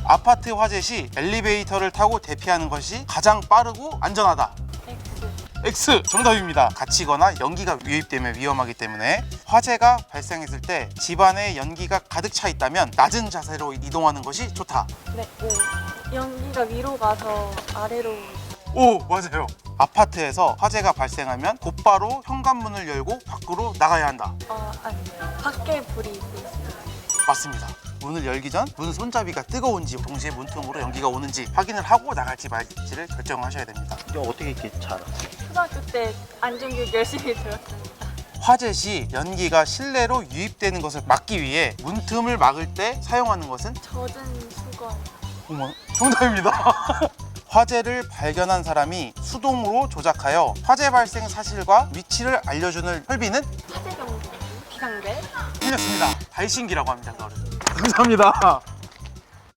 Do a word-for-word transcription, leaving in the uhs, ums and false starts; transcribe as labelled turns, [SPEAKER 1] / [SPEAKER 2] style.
[SPEAKER 1] 아파트 화재 시 엘리베이터를 타고 대피하는 것이 가장 빠르고 안전하다.
[SPEAKER 2] X.
[SPEAKER 1] X 정답입니다. 갇히거나 연기가 유입되면 위험하기 때문에 화재가 발생했을 때 집안에 연기가 가득 차 있다면 낮은 자세로 이동하는 것이 좋다.
[SPEAKER 2] 네, 오. 연기가 위로 가서 아래로.
[SPEAKER 1] 오, 맞아요. 아파트에서 화재가 발생하면 곧바로 현관문을 열고 밖으로 나가야 한다.
[SPEAKER 2] 어, 아니에요. 밖에 불이 있어요.
[SPEAKER 1] 맞습니다. 문을 열기 전 문 손잡이가 뜨거운지 동시에 문틈으로 연기가 오는지 확인을 하고 나갈지 말지를 결정하셔야 됩니다.
[SPEAKER 3] 이거 어떻게 이렇게 잘 알아?
[SPEAKER 2] 초등학교 때 안전교육 열심히 들었습니다.
[SPEAKER 1] 화재 시 연기가 실내로 유입되는 것을 막기 위해 문틈을 막을 때 사용하는 것은?
[SPEAKER 2] 젖은 수건.
[SPEAKER 1] 어머, 정답입니다. 화재를 발견한 사람이 수동으로 조작하여 화재 발생 사실과 위치를 알려주는 혈비는?
[SPEAKER 2] 화재 경보. 비상벨.
[SPEAKER 1] 틀렸습니다. 발신기라고 합니다. 그거를. 감사합니다.